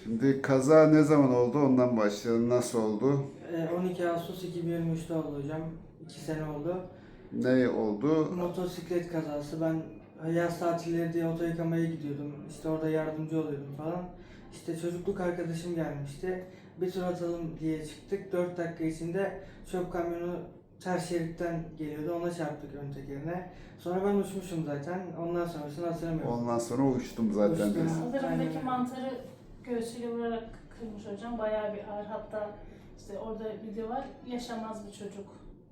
Şimdi kaza ne zaman oldu? Ondan başlayalım. Nasıl oldu? 12 Ağustos 2023'te oldu hocam. 2 sene oldu. Ne oldu? Motosiklet kazası. Ben yaz tatilleri diye oto yıkamaya gidiyordum. İşte orada yardımcı oluyordum falan. İşte çocukluk arkadaşım gelmişti. Bir tur atalım diye çıktık. 4 dakika içinde çöp kamyonu ters şeritten geliyordu. Ona çarptık ön tekerine. Sonra ben uçmuşum zaten. Ondan sonrasını hatırlamıyorum. Ondan sonra uçtum zaten. Uçtum. biz. Saldırımdaki Aynen. mantarı göğsüyle vurarak kırmış hocam. Bayağı bir ağır. Hatta işte orada video var. Yaşamaz bir çocuk.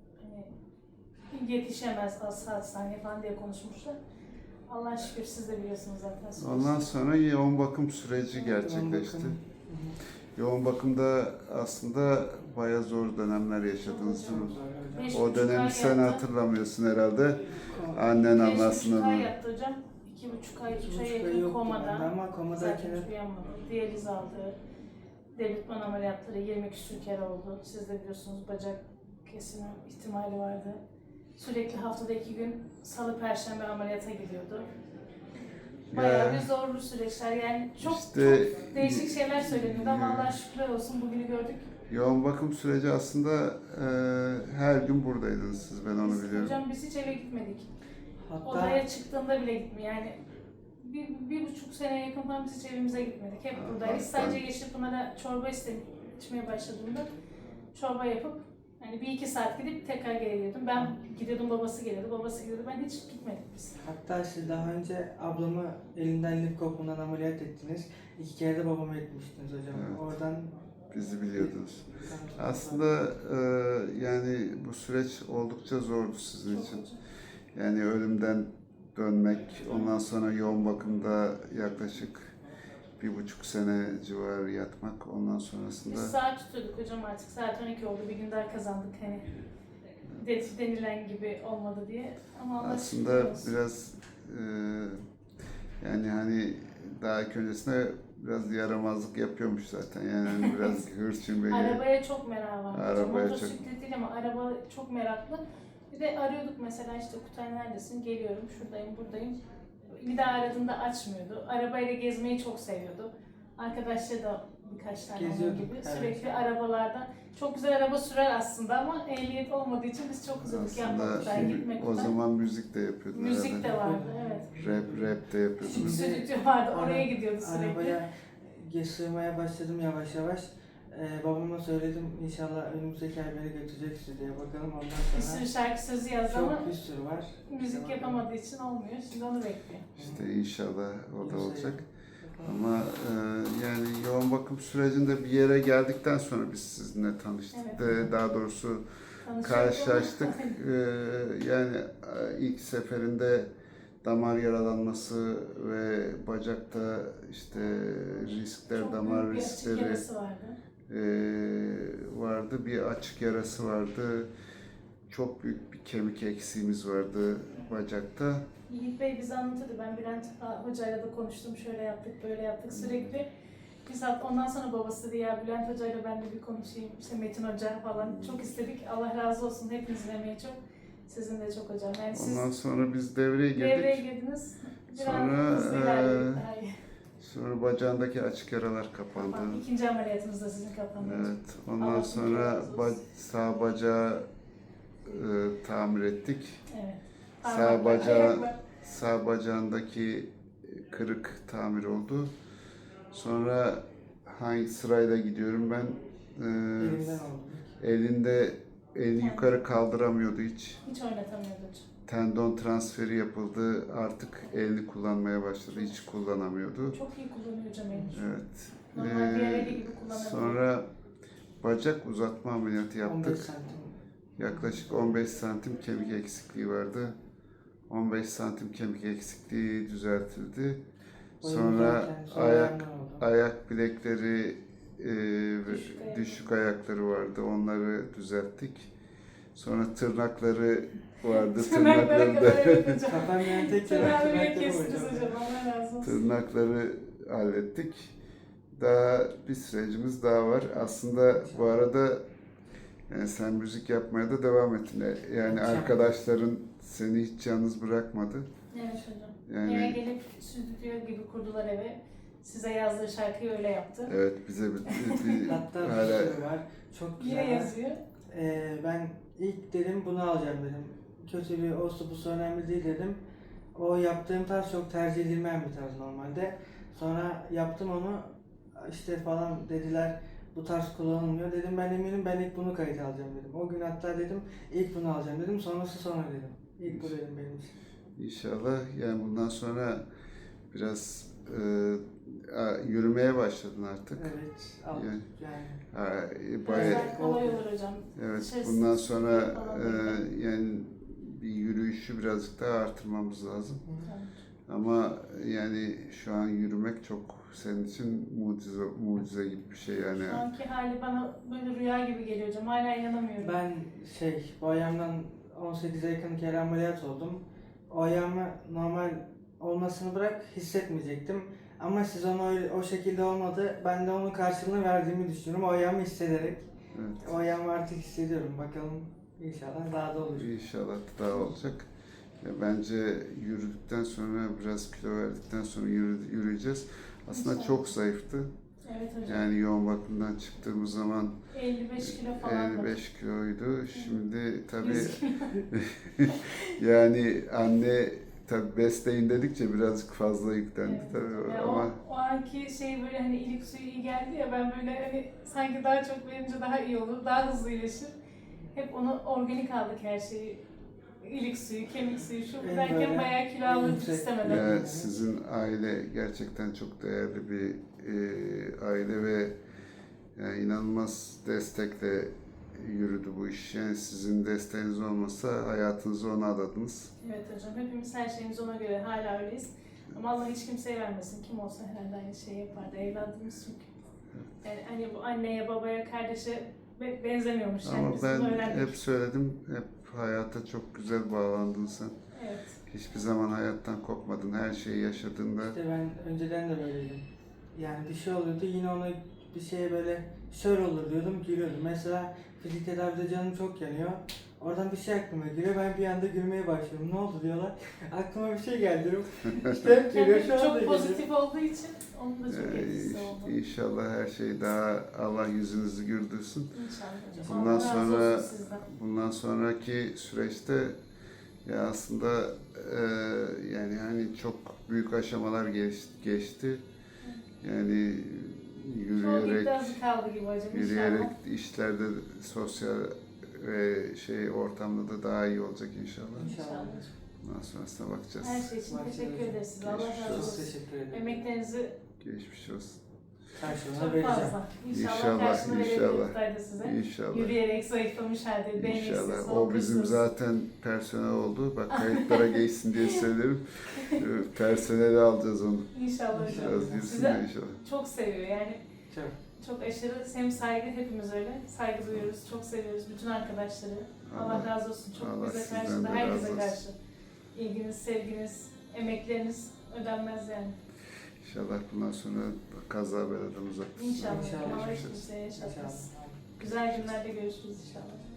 Hani yetişemez az saat saniye falan diye konuşmuşlar. Allah şükür siz de biliyorsunuz zaten. Süreci. Ondan sonra yoğun bakım süreci gerçekleşti. Yoğun bakım. Yoğun bakımda aslında bayağı zor dönemler yaşadınız değil mi? Beş O buçuk dönemi ay sen yattı. hatırlamıyorsun herhalde. Annen anlatsın 5,5 ay onu. yattı hocam. 2,5 ay, 3 ay 2,5 ay yakın yoktu komada. bende ama komadayken Zaten hiç uyanmadı. Diyaliz aldı. Devletman ameliyatları 20 küsur kere oldu. Siz de biliyorsunuz bacak kesimi ihtimali vardı. Sürekli haftada 2 gün salı perşembe ameliyata gidiyordu. Bayağı bir zorlu süreçler yani çok değişik şeyler söyleniyordu ama Allah'a şükürler olsun bugünü gördük. Yoğun bakım süreci aslında her gün buradaydınız siz, ben onu Biz, biliyorum. hocam biz hiç eve gitmedik. hatta Odaya çıktığında bile gitmiyor yani. Bir buçuk sene yakın falan biz hiç evimize gitmedik. Hep buradayız. Sadece Yeşilpınar'a çorba içmeye başladığımda çorba yapıp hani 1-2 saat gidip tekrar geri geliyordum. Ben gidiyordum, babası geliyordu, babası gidiyordu. Ben hiç gitmedik biz. hatta siz daha önce ablamı elinden lif kopundan ameliyat ettiniz. 2 kere de babamı etmiştiniz hocam. Evet. Oradan Bizi biliyordunuz. Aslında yani bu süreç oldukça zordu sizin Çok için. hocam. Yani ölümden dönmek, ondan sonra yoğun bakımda yaklaşık 1,5 sene civarı yatmak, ondan sonrasında Biz saat tutuyorduk hocam artık. Saat 12 oldu. Bir gün daha kazandık hani. Denilen gibi olmadı diye. Ama Allah şükür aslında olsun. biraz yani hani daha ilk öncesinde biraz yaramazlık yapıyormuş zaten. Yani hani biraz hırçın bir Arabaya çok merak var. Arabaya Motosiklet değil ama araba çok meraklı. Bir de arıyorduk mesela işte Kutay neredesin? Geliyorum, şuradayım, buradayım. Bir daha aradığında açmıyordu. Arabayla gezmeyi çok seviyordu. Arkadaşları da birkaç tane onun Geziyorduk, gibi. evet. Sürekli arabalarda. Çok güzel araba sürer aslında ama ehliyet olmadığı için biz çok üzüldük yapmak Kutay, gitmek o Kutay. zaman müzik de yapıyordun Müzik herhalde. de vardı, evet. Rap de yapıyordunuz. Şimdi- Stüdyo vardı, oraya gidiyordu sürekli. arabaya sığmaya başladım yavaş yavaş. Babama söyledim inşallah önümüzdeki ay beni götürecek sizi diye bakalım ondan Bir sonra. sürü şarkı sözü yazdı ama Çok bir sürü var. müzik yapamadığı için olmuyor. Şimdi onu bekliyor. İşte inşallah o da Yoksa olacak. yapalım. Ama yani yoğun bakım sürecinde bir yere geldikten sonra biz sizinle tanıştık. Evet. Daha doğrusu Tanışıyoruz karşılaştık. ama- Yani ilk seferinde damar yaralanması ve bacakta işte riskler, Çok damar büyük bir açık riskleri yarası vardı. vardı. Bir açık yarası vardı. Çok büyük bir kemik eksiğimiz vardı bacakta. Yiğit Bey bize anlatırdı. Ben Bülent Hoca'yla da konuştum. Şöyle yaptık, böyle yaptık sürekli. Biz hatta ondan sonra babası dedi ya Bülent Hoca'yla ben de bir konuşayım. İşte Metin Hoca falan. Çok istedik. Allah razı olsun. Hepinizin emeği çok. Sizin de çok hocam. Yani siz Ondan sonra biz devreye girdik. devreye girdiniz. Biraz Sonra, hızlı ilerledik daha iyi. Sonra bacağındaki açık yaralar kapandı. Tamam, İkinci ameliyatınız da sizin kapandı. Evet. Ondan Allah sonra razı olsun. sağ bacağı tamir ettik. Evet. Sağ Parmaklar, bacağı ayaklar. sağ bacağındaki kırık tamir oldu. Sonra hangi sırayla gidiyorum ben? Elimden oldu. Eli yukarı kaldıramıyordu hiç. Hiç oynatamıyordu hocam. Tendon transferi yapıldı. Artık elini kullanmaya başladı. Hiç kullanamıyordu. Çok iyi kullanıyor hocam elini. Evet. Normal diğer eli gibi kullanabiliyor. Sonra bacak uzatma ameliyatı 15 yaptık. santim. Yaklaşık 15 santim kemik eksikliği vardı. 15 santim kemik eksikliği düzeltildi. Sonra ayak bilekleri ve düşük ayakları vardı. Onları düzelttik. Sonra tırnakları vardı. Tırnakları kadar evet hocam. Kafam yani tek Tırnağı bile tırnak kestiniz hocam. Allah razı olsun. Tırnakları hallettik. Daha bir sürecimiz daha var. Aslında bu arada yani sen müzik yapmaya da devam ettin. Yani arkadaşların seni hiç yalnız bırakmadı. Evet hocam. Yani- Eve gelip stüdyo gibi kurdular eve. Size yazdığı şarkıyı öyle yaptı. Evet, bize bir Hatta bir hala sürü var. Çok Yine güzel. yazıyor. Ben ilk dedim bunu alacağım dedim. Kötü bir olsa bu önemli değil dedim. O yaptığım tarz çok tercih edilmeyen bir tarz normalde. Sonra yaptım onu işte falan dediler bu tarz kullanılmıyor. Dedim ben eminim ben ilk bunu kayıt alacağım dedim. O gün hatta dedim ilk bunu alacağım dedim. Sonrası sonra dedim. İlk bu dedim benim için. İnşallah yani bundan sonra biraz yürümeye başladın artık. Evet. Al, Yani- yani. Ha, Biraz bayağı, daha kolay olur hocam. evet, Dışarısı bundan sıkıntı sonra falan değil. yani bir yürüyüşü birazcık daha artırmamız lazım. Tamam. Ama yani şu an yürümek çok senin için mucize gibi bir şey yani. Şu anki hali bana böyle rüya gibi geliyor hocam. Hala inanamıyorum. Ben bu ayağımdan 18'e yakın kere ameliyat oldum. O ayağımı normal olmasını bırak hissetmeyecektim. Ama siz onu o şekilde olmadı. Ben de onun karşılığını verdiğimi düşünüyorum. O ayağımı hissederek. Evet. O ayağımı artık hissediyorum. Bakalım inşallah daha da olur. İnşallah daha olacak. Ya bence yürüdükten sonra biraz kilo verdikten sonra yürüyeceğiz. Aslında İnşallah. çok zayıftı. Evet hocam. Yani yoğun bakımdan çıktığımız zaman 55 kilo falan. 55 kiloydu. Şimdi tabii yani anne tabii besleyin dedikçe birazcık fazla yüklendi Evet. tabii Ya ama o anki şey böyle hani ilik suyu iyi geldi ya ben böyle hani sanki daha çok verince daha iyi olur, daha hızlı iyileşir. Hep onu organik aldık her şeyi. İlik suyu, kemik suyu, şu bu En derken böyle bayağı kilo alırdık yüksek- istemeden. ya sizin aile gerçekten çok değerli bir aile ve yani inanılmaz destekle yürüdü bu iş. Yani sizin desteğiniz olmasa hayatınızı ona adadınız. Evet hocam, hepimiz her şeyimiz ona göre hala öyleyiz. Ama Allah hiç kimseye vermesin. Kim olsa herhalde aynı şeyi yapardı. Evladımız çünkü. Yani hani bu anneye, babaya, kardeşe benzemiyormuş. Yani Ama biz ben bunu öğrendik. hep söyledim, hep hayata çok güzel bağlandın sen. Evet. Hiçbir zaman hayattan kopmadın, her şeyi yaşadığında. İşte ben önceden de böyleydim. Yani bir şey oluyordu yine ona bir şeye böyle şöyle olur diyordum gülüyordum. Mesela fizik tedavide canım çok yanıyor. Oradan bir şey aklıma geliyor. Ben bir anda gülmeye başlıyorum. Ne oldu diyorlar. Aklıma bir şey geldi diyorum. İşte hep gülüyor. Yani Şu anda çok gülüyor. pozitif olduğu için onun da çok etkisi oldu. İnşallah her şey daha Allah yüzünüzü güldürsün. İnşallah hocam. Bundan Allah razı sonra olsun sizden. bundan sonraki süreçte ya aslında yani hani çok büyük aşamalar geçti. Yani Çok yürüyerek iddiası kaldı gibi hocam yürüyerek inşallah. işlerde sosyal ve ortamda da daha iyi olacak inşallah. İnşallah. Bundan sonrasına bakacağız. Her şey için Bakacağız teşekkür hocam. ederiz size. Allah Geçmiş razı Çok olsun. teşekkür ederim. Emeklerinizi Geçmiş olsun. Karşılığını çok vereceğim. fazla. İnşallah, İnşallah, karşılığını inşallah. verebilir Kutay da size. İnşallah. Yürüyerek zayıflamış halde değneksiz, İnşallah. O bizim zaten personel oldu. Bak kayıtlara geçsin diye söylerim. Personeli alacağız onu. İnşallah hocam. Biraz girsin de Size inşallah. çok seviyor yani. Çok. Çok aşırı hem saygı, hepimiz öyle. Saygı duyuyoruz, çok seviyoruz bütün arkadaşları. Allah Allah- razı olsun. Çok Allah bize sizden karşı da de herkese razı olsun. karşı. İlginiz, sevginiz, emekleriniz ödenmez yani. İnşallah bundan sonra kaza beladan uzak tutsun. İnşallah. İnşallah. Allah hiç Geçmiş olsun. kimseye yaşatmaz. İnşallah. Güzel günlerde görüşürüz inşallah.